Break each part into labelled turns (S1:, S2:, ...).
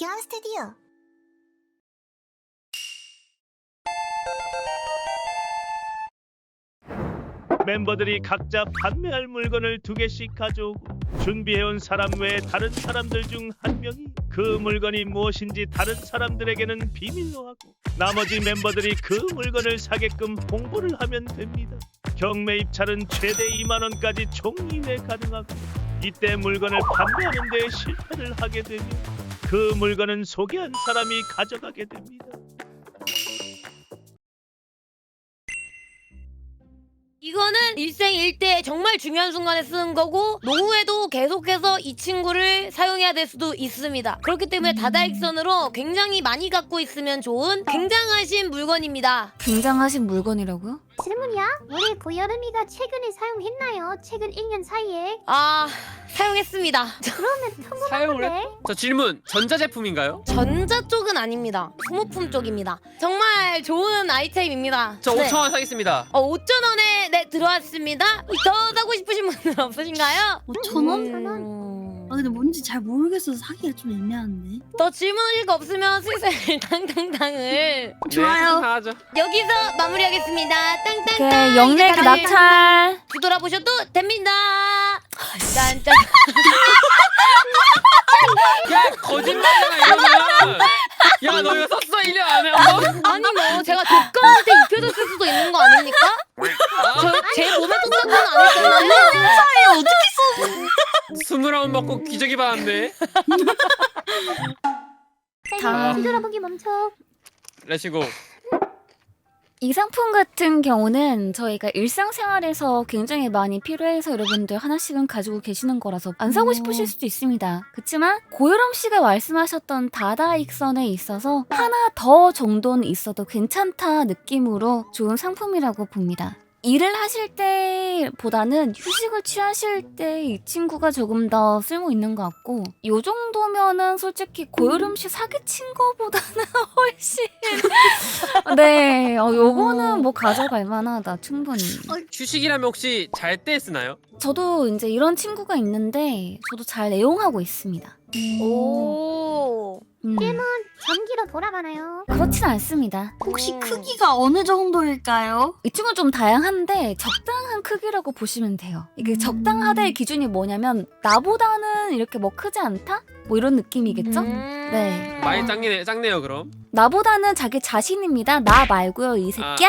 S1: 박현 스튜디오.
S2: 멤버들이 각자 판매할 물건을 2개씩 가져오고 준비해온 사람 외에 다른 사람들 중 한 명이 그 물건이 무엇인지 다른 사람들에게는 비밀로 하고 나머지 멤버들이 그 물건을 사게끔 홍보를 하면 됩니다. 경매 입찰은 최대 2만 원까지 총 2회 가능하고 이때 물건을 판매하는 데 실패를 하게 되면 그 물건은 소개한 사람이 가져가게 됩니다.
S3: 이거는 일생일대 정말 중요한 순간에 쓰는 거고 노후에도 계속해서 이 친구를 사용해야 될 수도 있습니다. 그렇기 때문에 다다익선으로 굉장히 많이 갖고 있으면 좋은 굉장하신 물건입니다.
S4: 굉장하신 물건이라고요?
S1: 질문이야? 우리 고여름이가 최근에 사용했나요? 최근 1년 사이에?
S3: 아, 사용했습니다.
S1: 그러면
S5: 사용을
S1: 평범한데?
S5: 저 질문 전자제품인가요?
S3: 전자 쪽은 아닙니다. 소모품 쪽입니다. 정말 좋은 아이템입니다.
S5: 저
S3: 네.
S5: 5,000원 사겠습니다.
S3: 5,000원에 네 들어왔습니다. 더 사고 싶으신 분들 없으신가요?
S6: 5,000원? 아 근데 뭔지 잘 모르겠어서 사기가 좀 애매한데.
S3: 더 질문하실 거 없으면 슬슬 당당당을
S6: 좋아요.
S5: 네, 하죠.
S3: 여기서 마무리하겠습니다. 땅땅땅.
S4: 오케이, 영래그
S3: 이제 다들
S4: 낙찰.
S3: 뒤돌아보셔도 됩니다. 짠짠.
S5: 야 거짓말이잖아 이러면. 야 너 이거 썼어 1년 안에 한 번?
S3: 아니 뭐 제가 독감한테 입혀졌을 수도 있는 거 아닙니까? 제 몸에 썼던 건 아니잖아요.
S5: 20라운 먹고 기저귀 받았네.
S4: 다음.
S1: 뒤돌아보기 멈춰.
S5: 레시고.
S4: 이 상품 같은 경우는 저희가 일상생활에서 굉장히 많이 필요해서 여러분들 하나씩은 가지고 계시는 거라서 안 사고 싶으실 수도 있습니다. 그렇지만 고요람 씨가 말씀하셨던 다다익선에 있어서 하나 더 정도는 있어도 괜찮다 느낌으로 좋은 상품이라고 봅니다. 일을 하실 때보다는 휴식을 취하실 때 이 친구가 조금 더 쓸모 있는 것 같고 요 정도면은 솔직히 고요름 씨 사기친 거보다는 훨씬 네, 요거는 뭐 가져갈 만하다 충분히.
S5: 휴식이라면 혹시 잘 때 쓰나요?
S4: 저도 이제 이런 친구가 있는데 저도 잘 애용하고 있습니다.
S3: 오.
S1: 전기로 돌아가나요?
S4: 그렇진 않습니다.
S6: 혹시 크기가 어느 정도일까요?
S4: 이 친구는 좀 다양한데 적당한 크기라고 보시면 돼요. 이게 적당하다의 기준이 뭐냐면 나보다는 이렇게 뭐 크지 않다? 뭐 이런 느낌이겠죠? 네.
S5: 많이 작네요 그럼.
S4: 나보다는 자기 자신입니다. 나 말고요 이 새끼야.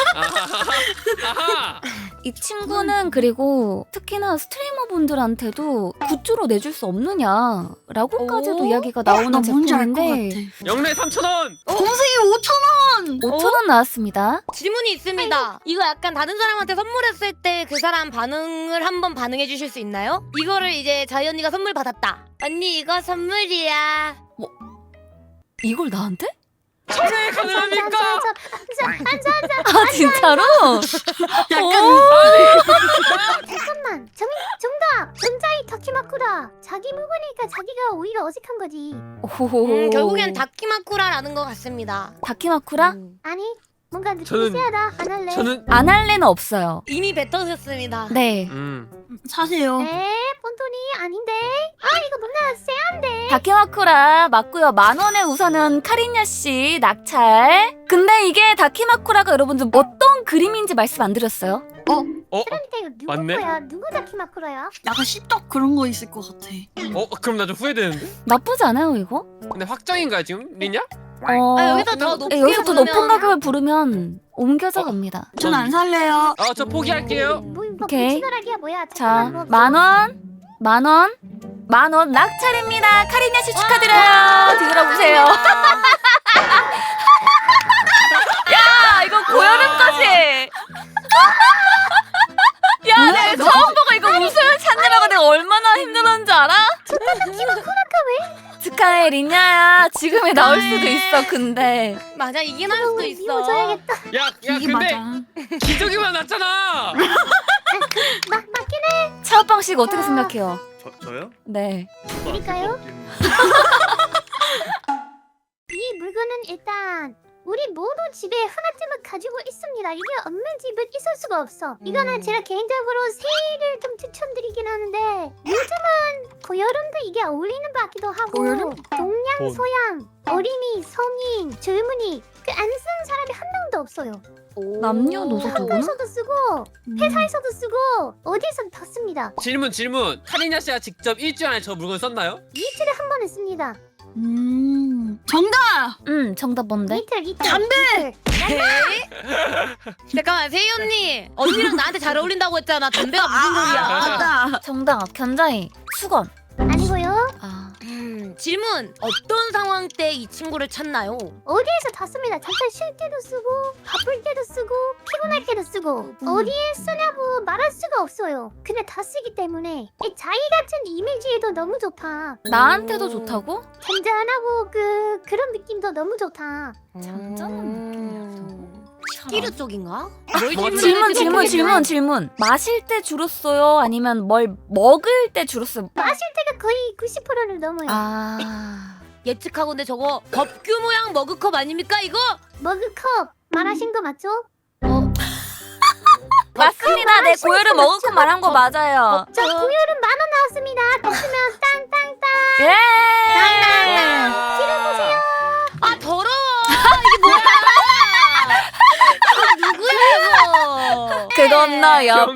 S5: 아하.
S4: 이 친구는 그리고 특히나 스트리머 분들한테도 굿즈로 내줄 수 없느냐라고까지도
S3: 오?
S4: 이야기가
S6: 나
S4: 나오는
S6: 뭔지 알 것
S4: 제품인데
S6: 같아.
S5: 영래 3,000원.
S6: 검색이 5,000원!
S4: 5,000원 나왔습니다.
S3: 질문이 있습니다. 이거 약간 다른 사람한테 선물했을 때 그 사람 반응을 한번 반응해 주실 수 있나요? 이거를 이제 자이 언니가 선물 받았다. 언니 이거 선물이야.
S4: 이걸 나한테?
S5: 전에 가능합니까?
S4: 아 진짜로?
S6: 약간
S1: 잠깐만. 정답. 전자이 타키마쿠라. 자기 물건이니까 자기가 오히려 어색한 거지.
S4: 오호호호.
S3: 결국엔 다키마쿠라라는 것 같습니다.
S4: 다키마쿠라?
S1: 아니, 뭔가 느낌이
S5: 저는-
S1: 세하다. 안 할래.
S5: 저는
S4: 안 할래는 없어요.
S3: 이미 뱉어졌습니다.
S4: 네.
S6: 사세요.
S1: 본토니 아닌데. 이거 뭔가 세한데.
S4: 다키마쿠라 맞고요. 10,000원에 우선은 카리냐 씨 낙찰. 근데 이게 다키마쿠라가 여러분들 어떤 그림인지 말씀 안 드렸어요?
S1: 그러니까 이거 누구
S5: 맞네?
S1: 거야? 누구 다키마쿠라야?
S6: 약간 씹덕 그런 거 있을 것 같아.
S5: 그럼 나 좀 후회되는데.
S4: 나쁘지 않아요 이거?
S5: 근데 확정인가요 지금 리냐?
S3: 여기서 더 높게
S4: 여기서 더 높은
S3: 부르면-
S4: 가격을 부르면 옮겨져 갑니다.
S6: 전 안 살래요.
S5: 저 포기할게요.
S1: 뭐
S4: 오케이.
S1: 부치더라기야 뭐야?
S4: 자,
S1: 잠깐만, 뭐 없어?
S4: 10,000원, 10,000원, 10,000원 낙찰입니다. 카리냐 씨 축하드려요. 뒤돌아보세요. 야, 이거 고여름까지. 야, 내가 처음 보고 이거 웃음을 찾느라고 내가 얼마나 힘들었는지 알아? 축하해 리냐야. 지금에 나올 수도 있어. 근데
S3: 맞아 이게 나을 수도 있어.
S1: 미워줘야겠다.
S5: 야
S6: 이게
S5: 근데
S6: 맞아.
S5: 기저귀만 났잖아.
S1: 맞긴 해.
S4: 차오빵 씨가 어떻게 생각해요?
S2: 저요?
S4: 네.
S1: 드릴까요? 이 물건은 일단 우리 모두 집에 하나쯤은 가지고 있습니다. 이게 없는 집은 있을 수가 없어. 이거는 제가 개인적으로 새해를 좀 추천드리긴 하는데 요즘은 고여름도 이게 어울리는 것 같기도 하고
S6: 고여름?
S1: 동양,
S2: 돈.
S1: 서양, 어린이, 성인, 젊은이 그 안 쓰는 사람이 한 명도 없어요.
S4: 남녀노소 두구나?
S1: 학교에서도 쓰고 회사에서도 쓰고 어디서든 다 씁니다.
S5: 질문. 카리나 씨가 직접 일주일 안에 저 물건 썼나요?
S1: 이틀에 한 번은 씁니다.
S6: 정답.
S4: 정답 뭔데?
S1: 이틀.
S6: 담배!
S3: 네? 잠깐만 세희 언니 언니랑 나한테 잘 어울린다고 했잖아. 담배가 무슨 소리야?
S6: 맞다.
S4: 정답 견자이 수건.
S1: 아니고요.
S4: 아
S3: 질문 어떤 상황 때 이 친구를 찾나요?
S1: 어디에서 다 씁니다. 잠깐 쉴 때도 쓰고 바쁠 때도 쓰고 피곤할 때도 쓰고 어디에 쓰냐고 말할 수가 없어요. 근데 다 쓰기 때문에 이 자기 같은 이미지에도 너무 좋다.
S4: 나한테도 좋다고?
S1: 잔잔하고 그런 느낌도 너무 좋다.
S4: 잔잔한 느낌이었다고?
S3: 키르 쪽인가?
S5: 뭐
S4: 질문. 마실 때 주로 써요? 아니면 뭘 먹을 때 주로 써요?
S1: 마실 때가 거의 90%를 넘어요.
S4: 아
S3: 예측하건데 저거 법규 모양 머그컵 아닙니까 이거?
S1: 머그컵 말하신 거 맞죠?
S4: 맞습니다. 내 고열을 먹을고 말한 거 맞아요.
S1: 저 고열은 10,000원 나왔습니다. 됐으면 땅땅땅.
S4: 예.
S3: 아 더러워 이게 뭐야? 아 누구야 이거?
S4: 그건 너야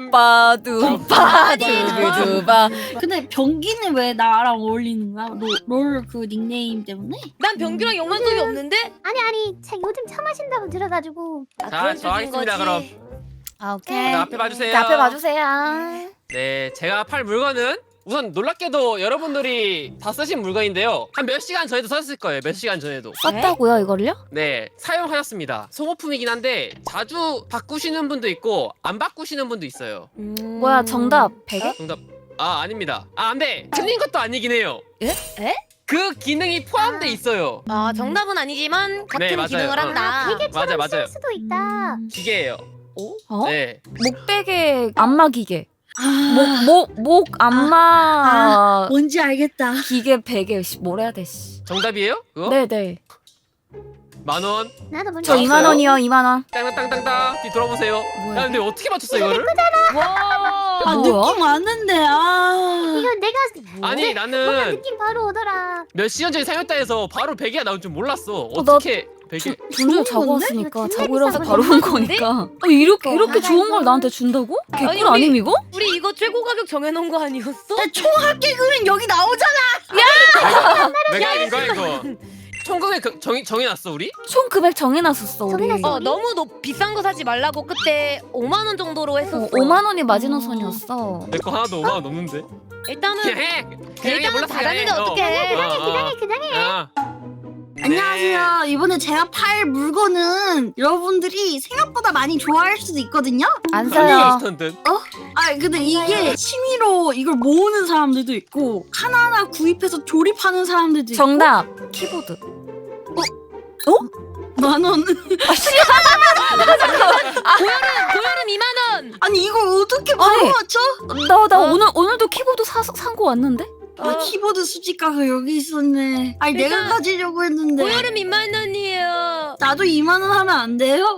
S4: 빠두바.
S6: 근데 병기는 왜 나랑 어울리는 거야? 롤 그 닉네임 때문에?
S3: 난 병규랑 연관성이 없는데?
S1: 아니 제 요즘 차 마신다고 들어가지고
S3: 아,
S5: 자,
S3: 그런
S5: 저
S3: 쪽인
S5: 하겠습니다,
S3: 거지.
S5: 그럼.
S4: 아 오케이.
S5: 앞에 봐주세요.
S4: 자, 앞에 봐주세요.
S5: 네, 제가 팔 물건은 우선 놀랍게도 여러분들이 다 쓰신 물건인데요. 한 몇 시간 전에도 썼을 거예요. 몇 시간 전에도.
S4: 썼다고요 이걸요?
S5: 네, 사용하셨습니다. 소모품이긴 한데 자주 바꾸시는 분도 있고 안 바꾸시는 분도 있어요.
S4: 뭐야 정답 베개?
S5: 정답. 아, 아닙니다. 아, 안 돼. 틀린 것도 아니긴 해요.
S3: 에?
S5: 그 기능이 포함돼 있어요.
S3: 아 정답은 아니지만 같은
S5: 네, 맞아요.
S3: 기능을 한다.
S1: 베개처럼
S5: 맞아요.
S1: 쓸 수도 있다.
S5: 기계예요.
S4: 어?
S5: 네.
S4: 목베개 안마 기계.
S6: 아,
S4: 목 안마
S6: 뭔지 알겠다.
S4: 기계 베개. 씨, 뭘 해야 돼? 씨.
S5: 정답이에요? 그거?
S4: 네네.
S5: 10,000원.
S1: 나도 뭔지
S4: 저
S5: 나왔어요?
S4: 2만 원이요. 2만 원.
S5: 땅땅땅땅. 뒤 돌아보세요.
S4: 뭐야,
S5: 야, 근데 어떻게 맞췄어 이거를?
S3: 와.
S6: 아,
S4: 뭐야?
S6: 느낌 왔는데, 아.
S1: 이거 내가
S5: 아니,
S1: 뭔가
S5: 나는
S1: 느낌 바로 오더라.
S5: 몇 시간 전에 사용했다 해서 바로 베개가 나올 줄 몰랐어.
S4: 나-
S5: 어떻게 베개?
S4: 분명 자고
S6: 건데?
S4: 왔으니까
S1: 이거
S4: 자고 일어나서
S1: 진짜
S4: 바로 온
S3: 건데?
S4: 거니까. 이렇게
S1: 맞아,
S4: 좋은
S1: 이거.
S4: 걸 나한테 준다고?
S3: 아니,
S4: 개꿀
S3: 우리-
S4: 아님 이거?
S3: 우리 이거 최고 가격 정해놓은 거 아니었어?
S6: 총 합계 금액 여기 나오잖아.
S5: 내가 아닌 거야 이거. 총각에 정해놨어 우리?
S4: 총 금액 정해놨었어 우리.
S1: 정해놨어.
S3: 너무 비싼 거 사지 말라고 그때 5만 원 정도로 했었어.
S4: 5만 원이 마지노선이었어.
S5: 내 거 하나도 5만 원 넘는데.
S3: 일단은
S5: 그냥 해. 그냥 해.
S3: 일단은
S5: 몰랐어,
S3: 받았는데
S5: 그냥 해.
S3: 어떡해.
S1: 그냥해.
S5: 네.
S6: 안녕하세요. 이번에 제가 팔 물건은 여러분들이 생각보다 많이 좋아할 수도 있거든요.
S4: 안
S5: 사요.
S4: 사요.
S5: 스턴트.
S6: 아, 근데 이게 취미로 이걸 모으는 사람들도 있고 하나하나 구입해서 조립하는 사람들도 있고.
S4: 정답. 키보드.
S6: 10,000원.
S3: 고여름 2만 원.
S6: 아니 이걸 어떻게 바로
S4: 아니.
S6: 맞춰?
S4: 나 오늘도 키보드 산거 왔는데?
S6: 아, 키보드 수집가가 여기 있었네. 아니 내가
S3: 일단
S6: 가지려고 했는데.
S3: 고여름 2만 원이에요.
S6: 나도 2만 원 하면 안 돼요?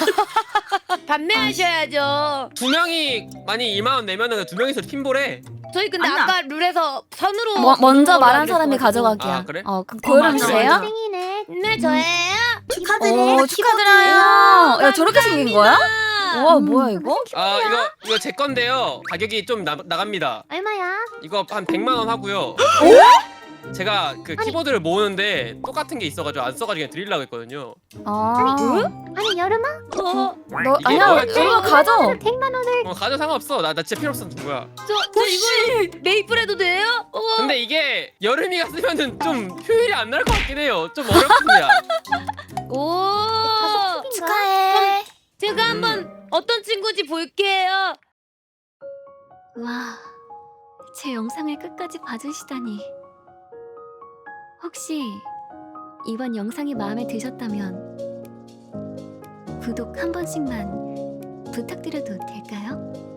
S3: 판매하셔야죠.
S5: 두 명이 만약 2만 원 내면은 두 명이서 팀볼해.
S3: 저희 근데
S6: 아니야.
S3: 아까 룰에서 선으로
S4: 먼저
S3: 걸로
S4: 말한
S3: 하기로
S4: 사람이
S3: 했어가지고.
S4: 가져가기야.
S5: 아, 그래?
S4: 그럼 고여름
S6: 맞아,
S4: 씨예요?
S6: 맞아.
S1: 땡이네.
S3: 네 저예요.
S6: 축하드려요.
S4: 축하드려요. 야 저렇게 생긴 거야? 와 뭐야 이거?
S5: 아 이거 제 건데요. 가격이 좀 나갑니다.
S1: 얼마야?
S5: 이거 한 100만 원 하고요. 제가 그 키보드를 모으는데 똑같은 게 있어가지고 안 써가지고 그냥 드리려고 했거든요.
S4: 아,
S1: 아니 여름아?
S4: 너
S5: 이게
S4: 아니야
S5: 뭐였지?
S4: 이거 가져.
S1: 100만 원을
S5: 가져 상관없어. 나 진짜 필요 없어. 누구야?
S3: 저 이거 메이플 해도 돼요?
S5: 근데 이게 여름이가 쓰면은 좀 효율이 안 날 것 같긴 해요. 좀 어렵습니다.
S3: 오.
S4: 축하해.
S3: 제가 한번 어떤 친구인지 볼게요.
S4: 와, 제 영상을 끝까지 봐주시다니. 혹시 이번 영상이 마음에 드셨다면 구독 한 번씩만 부탁드려도 될까요?